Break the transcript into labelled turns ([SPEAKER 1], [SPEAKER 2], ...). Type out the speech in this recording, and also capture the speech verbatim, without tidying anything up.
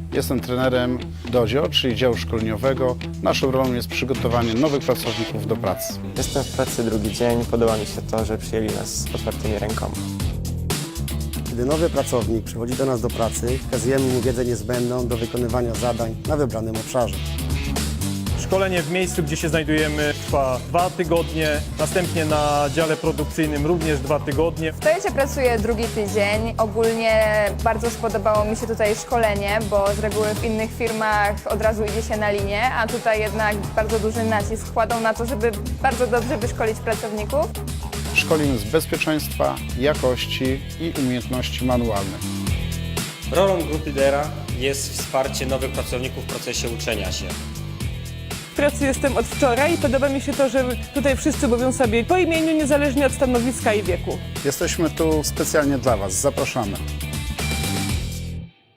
[SPEAKER 1] Jestem trenerem Dodzio, czyli działu szkoleniowego. Naszą rolą jest przygotowanie nowych pracowników do pracy.
[SPEAKER 2] Jestem w pracy drugi dzień. Podoba mi się to, że przyjęli nas z otwartymi rękoma.
[SPEAKER 3] Gdy nowy pracownik przychodzi do nas do pracy, przekazujemy mu wiedzę niezbędną do wykonywania zadań na wybranym obszarze.
[SPEAKER 4] Szkolenie w miejscu, gdzie się znajdujemy, trwa dwa tygodnie, następnie na dziale produkcyjnym również dwa tygodnie.
[SPEAKER 5] W Toyocie pracuję drugi tydzień. Ogólnie bardzo spodobało mi się tutaj szkolenie, bo z reguły w innych firmach od razu idzie się na linię, a tutaj jednak bardzo duży nacisk kładą na to, żeby bardzo dobrze wyszkolić pracowników.
[SPEAKER 1] Szkolimy z bezpieczeństwa, jakości i umiejętności manualnych.
[SPEAKER 6] Rolą Group Lidera jest wsparcie nowych pracowników w procesie uczenia się.
[SPEAKER 7] W pracy jestem od wczoraj i podoba mi się to, że tutaj wszyscy mówią sobie po imieniu, niezależnie od stanowiska i wieku.
[SPEAKER 1] Jesteśmy tu specjalnie dla Was. Zapraszamy.